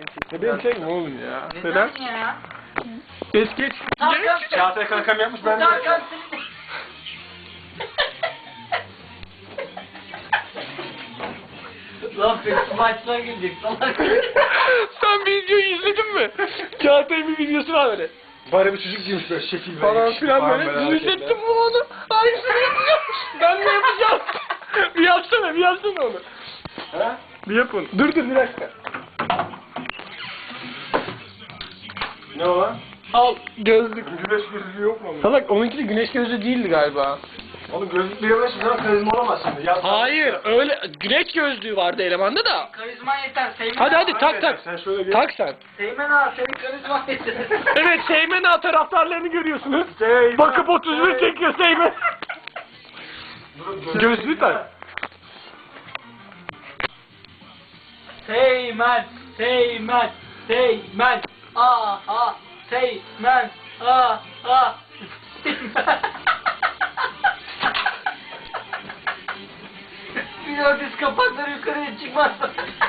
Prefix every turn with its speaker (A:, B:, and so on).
A: Benim çekme oğlum ya.
B: Neden ya?
A: Geç. Çağatay kankam yapmış ben de.
B: Tarkan Lan peki maçına girecek salak.
A: Sen videoyu izledin mi? Çağatay'ın bir videosu var böyle.
C: Bari bir çocuk giymiş böyle şekil
A: Falan filan böyle. Dün izlettim bu onu. Aynısını yapacağım. Ben de yapacağım. Bir yapsana onu.
C: Ha?
A: Bir yapın. Dur bir dakika.
C: Ne o lan?
A: Al gözlük.
C: Güneş gözlüğü yok mu onun?
A: Salak onunki de güneş gözlüğü değildi galiba.
C: Oğlum gözlük bilemez mi? Karizma olamaz şimdi. Ya,
A: Hayır öyle güneş gözlüğü vardı elemanda da.
B: Karizma yeter. Seymen
A: Hadi
B: ağa.
A: tak.
C: Sen şöyle bir...
A: Tak sen.
B: Seymen ağa senin karizma yeter.
A: Evet Seymen Ağa taraftarlarını görüyorsunuz.
C: Seymen.
A: Bakıp 31 çekiyor Seymen. Gözlüğü tak.
B: Seymen. Aha. Seymen. Aha. Bir o diz kapakları yukarıya çıkmazsa.